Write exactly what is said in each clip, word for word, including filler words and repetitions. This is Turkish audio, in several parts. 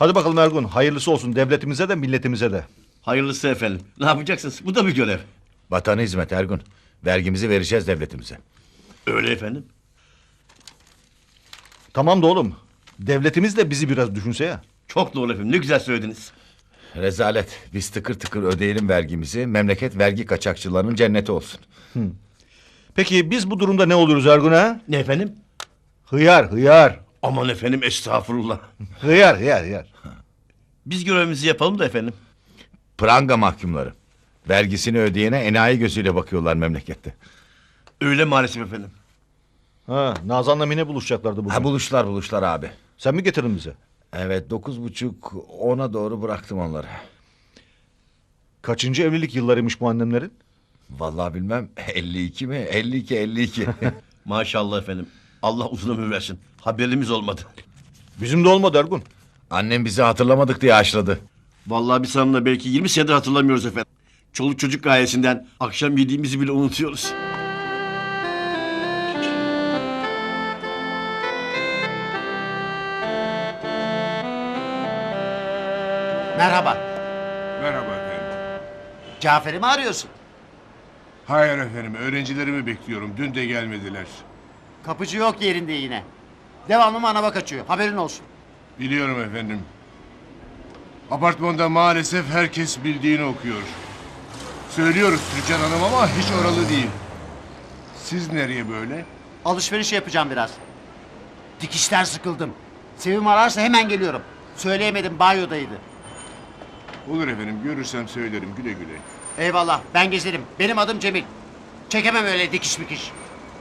Hadi bakalım Ergun, hayırlısı olsun devletimize de milletimize de. Hayırlısı efendim. Ne yapacaksınız? Bu da bir görev. Vatana hizmet Ergun. Vergimizi vereceğiz devletimize. Öyle efendim. Tamam da oğlum, devletimiz de bizi biraz düşünse ya. Çok doğru efendim. Ne güzel söylediniz. Rezalet. Biz tıkır tıkır ödeyelim vergimizi. Memleket vergi kaçakçılarının cenneti olsun. Peki biz bu durumda ne oluruz Ergun ha? Ne efendim? Hıyar, hıyar. Aman efendim estağfurullah. Hıyar, hıyar, hıyar. Biz görevimizi yapalım da efendim. Pranga mahkumları. Vergisini ödeyene enayi gözüyle bakıyorlar memlekette. Öyle maalesef efendim. Ha, Nazan'la Mine buluşacaklardı bugün. Ha buluşlar buluşlar abi. Sen mi getirdin bize? Evet dokuz buçuk ona doğru bıraktım onları. Kaçıncı evlilik yıllarıymış bu annemlerin? Vallahi bilmem elli iki mi? elli iki elli iki. Maşallah efendim. Allah uzun ömür versin. Haberimiz olmadı. Bizim de olmadı Ergun. Annem bizi hatırlamadık diye haşladı. Vallahi biz hanımla belki yirmi senedir hatırlamıyoruz efendim. Çoluk çocuk gayesinden akşam yediğimizi bile unutuyoruz. Merhaba. Merhaba efendim. Cafer'i mi arıyorsun? Hayır efendim, öğrencilerimi bekliyorum. Dün de gelmediler. Kapıcı yok yerinde yine. Devamlı manava kaçıyor. Haberin olsun. Biliyorum efendim. Apartmanda maalesef herkes bildiğini okuyor. Söylüyoruz Türkan Hanım ama hiç oralı değil. Siz nereye böyle? Alışveriş yapacağım biraz. Dikişten sıkıldım. Sevim ararsa hemen geliyorum. Söyleyemedim, banyodaydı. Olur efendim, görürsem söylerim güle güle. Eyvallah, ben gezerim. Benim adım Cemil. Çekemem öyle dikiş mikiş.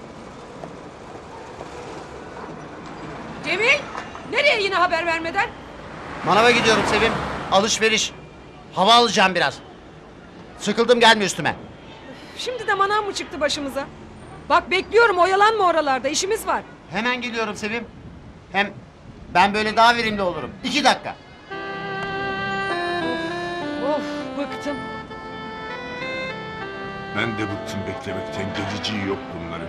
Cemil, nereye yine haber vermeden? Manava gidiyorum Sevim. Alışveriş. Hava alacağım biraz. Sıkıldım, gelme üstüme. Şimdi de manav mı çıktı başımıza? Bak bekliyorum, oyalanma oralarda, işimiz var. Hemen geliyorum Sevim. Hem ben böyle daha verimli olurum. İki dakika. Of, bıktım. Ben de bıktım beklemekten, geleceği yok bunların.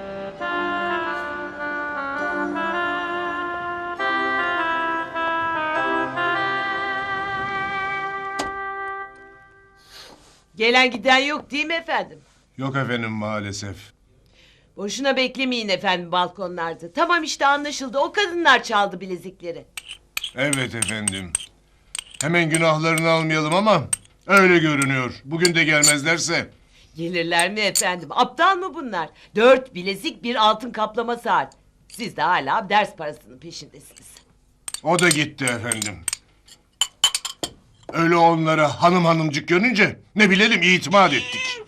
Gelen giden yok değil mi efendim? Yok efendim maalesef. Boşuna beklemeyin efendim balkonlarda. Tamam işte anlaşıldı. O kadınlar çaldı bilezikleri. Evet efendim. Hemen günahlarını almayalım ama öyle görünüyor. Bugün de gelmezlerse. Gelirler mi efendim? Aptal mı bunlar? Dört bilezik bir altın kaplama saat. Siz de hala ders parasının peşindesiniz. O da gitti efendim. Öyle onlara hanım hanımcık görünce ne bilelim itimat ettik.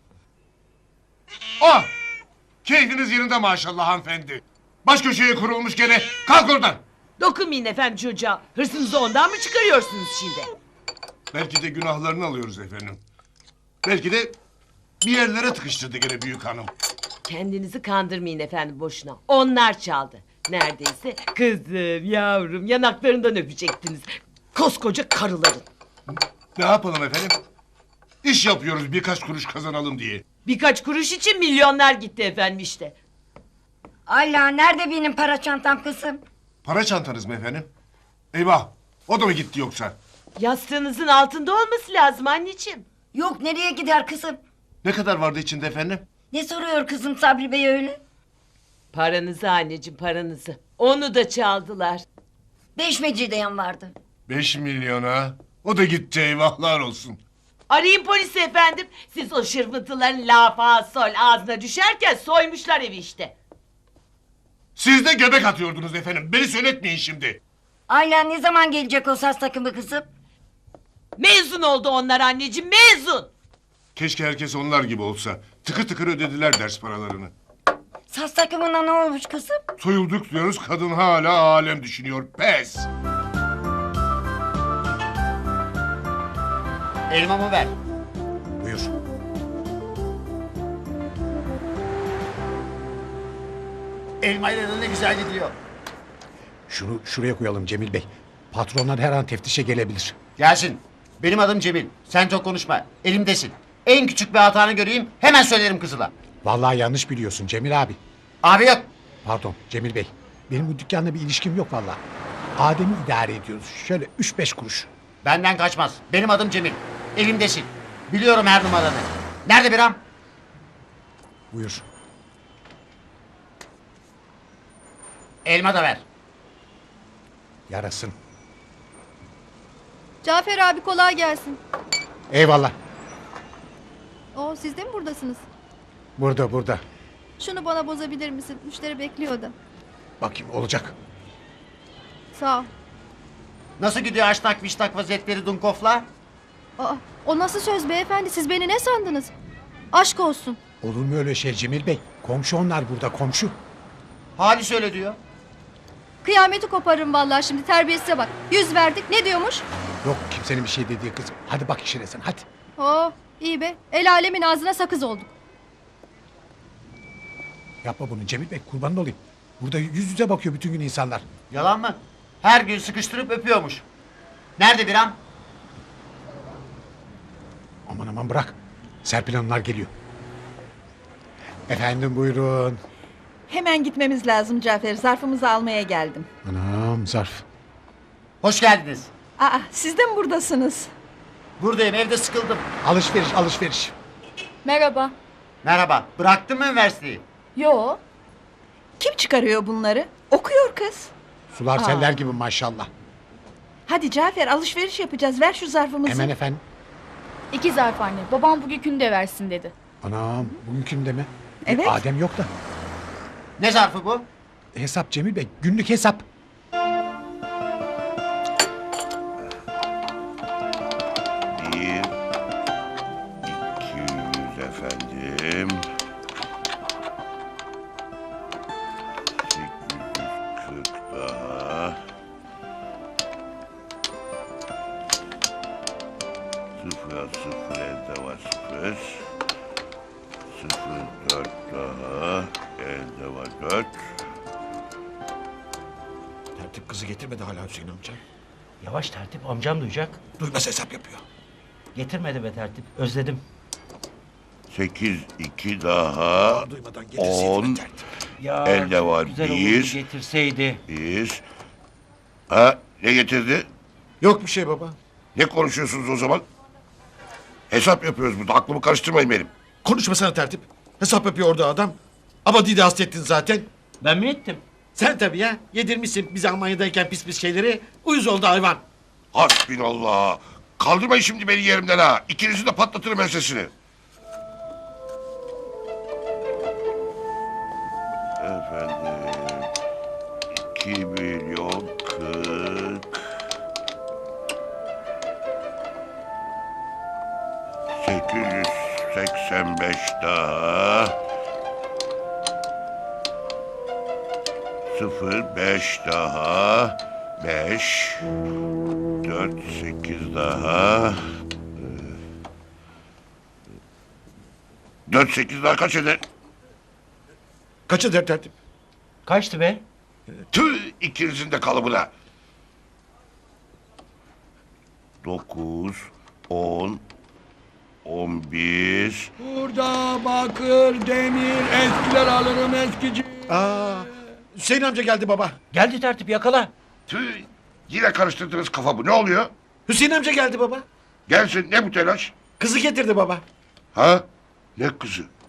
Ah! Keyfiniz yerinde maşallah hanımefendi. Baş köşeye kurulmuş gene. Kalk oradan. Dokunmayın efendim çocuğa. Hırsınızı ondan mı çıkarıyorsunuz şimdi? Belki de günahlarını alıyoruz efendim. Belki de bir yerlere tıkıştırdı gene büyük hanım. Kendinizi kandırmayın efendim boşuna. Onlar çaldı. Neredeyse kızım yavrum yanaklarından öpecektiniz. Koskoca karıların. Ne yapalım efendim? İş yapıyoruz birkaç kuruş kazanalım diye. Birkaç kuruş için milyonlar gitti efendim işte. Ayla nerede benim para çantam kızım? Para çantanız mı efendim? Eyvah! O da mı gitti yoksa? Yastığınızın altında olması lazım anneciğim. Yok nereye gider kızım? Ne kadar vardı içinde efendim? Ne soruyor kızım Sabri Bey öyle? Paranızı anneciğim paranızı. Onu da çaldılar. Beş mecidiyen vardı. Beş milyona. O da gitti eyvahlar olsun. Arayın polisi efendim. Siz o şırfıntıların lafa sol ağzına düşerken soymuşlar evi işte. Siz de göbek atıyordunuz efendim. Beni söyletmeyin şimdi. Ayla ne zaman gelecek o saz takımı kızım? Mezun oldu onlar anneciğim mezun. Keşke herkes onlar gibi olsa. Tıkır tıkır ödediler ders paralarını. Saz takımına ne olmuş kızım? Soyulduk diyoruz kadın hala alem düşünüyor. Pes! Elmamı ver. Buyur. Elmayla da ne güzel gidiyor. Şunu şuraya koyalım Cemil Bey. Patronlar her an teftişe gelebilir. Gelsin. Benim adım Cemil. Sen çok konuşma. Elimdesin. En küçük bir hatanı göreyim hemen söylerim kızıla. Vallahi yanlış biliyorsun Cemil abi. Abi yok. Pardon Cemil Bey. Benim bu dükkanla bir ilişkim yok vallahi. Adem'i idare ediyoruz. Şöyle üç beş kuruş. Benden kaçmaz. Benim adım Cemil. Evimdesin. Biliyorum her numaranı. Nerede Biram? Buyur. Elma da ver. Yarasın. Cafer abi kolay gelsin. Eyvallah. Oo, siz de mi buradasınız? Burada burada. Şunu bana bozabilir misin? Müşteri bekliyor da. Bakayım olacak. Sağ ol. Nasıl gidiyor aşnak vişnak vaziyetleri Dunkov'la? Aa, o nasıl söz beyefendi? Siz beni ne sandınız? Aşk olsun. Olur mu öyle şey Cemil Bey? Komşu onlar burada komşu. Halis öyle diyor. Kıyameti koparırım vallahi şimdi, terbiyesize bak. Yüz verdik, ne diyormuş? Yok kimsenin bir şey dediği kızım. Hadi bak işine sen hadi. Oo, iyi be. El alemin ağzına sakız olduk. Yapma bunu Cemil Bey kurbanın olayım. Burada yüz yüze bakıyor bütün gün insanlar. Yalan mı? Her gün sıkıştırıp öpüyormuş. Nerede Biram? Aman aman bırak. Serpil Hanımlar geliyor. Efendim buyurun. Hemen gitmemiz lazım Cafer. Zarfımızı almaya geldim. Anam zarf. Hoş geldiniz. Aa, siz de mi buradasınız? Buradayım, evde sıkıldım. Alışveriş alışveriş. Merhaba. Merhaba. Bıraktın mı üniversiteyi? Yo. Kim çıkarıyor bunları? Okuyor kız. Sular Aa. seller gibi maşallah. Hadi Cafer, alışveriş yapacağız. Ver şu zarfımızı. Hemen efendim. İki zarf anne. Babam bugünkünü de versin dedi. Anam bugünkünde mi? Evet. Adem yok da. Ne zarfı bu? Hesap Cemil Bey günlük hesap. Bir, iki yüz efendim. Sekiz yüz kırk daha. Sıfır sıfır elde var sıfır. Sıfır dört daha. Elde var dört. Tertip kızı getirmedi hala Hüseyin amca. Yavaş tertip, amcam duyacak. Duymaz hesap yapıyor. Getirmedi be tertip, özledim. Sekiz iki daha. Duymadan On. tertip. Ya Elde var güzel bir. olurdu getirseydi. Bir. Ha ne getirdi? Yok bir şey baba. Ne konuşuyorsunuz o zaman? Hesap yapıyoruz burada. Aklımı karıştırmayın benim. Konuşmasana tertip. Hesap yapıyor orada adam. Abadi'yi de hastettin zaten. Ben mi ettim? Sen tabii ya. Yedirmişsin bize Almanya'dayken pis pis şeyleri. Uyuz oldu hayvan. Hasbinallah. Kaldırmayın şimdi beni yerimden ha. İkinizi de patlatırım ensesini. Efendim. İki milyon kırk. Sekiz yüz seksen beş daha. Sıfır beş daha. Beş. Dört sekiz daha. Dört sekiz daha kaç eder? Kaç eder tertip? Kaçtı be? Tüh ikinizin de kalıbına. Dokuz, on, on bir. Burada bakır, demir, eskiler alırım eskici. Aa, Hüseyin amca geldi baba. Geldi tertip, yakala. Tüh yine karıştırdınız kafamı. Ne oluyor? Hüseyin amca geldi baba. Gelsin ne bu telaş? Kızı getirdi baba. Ha? Ne kızı?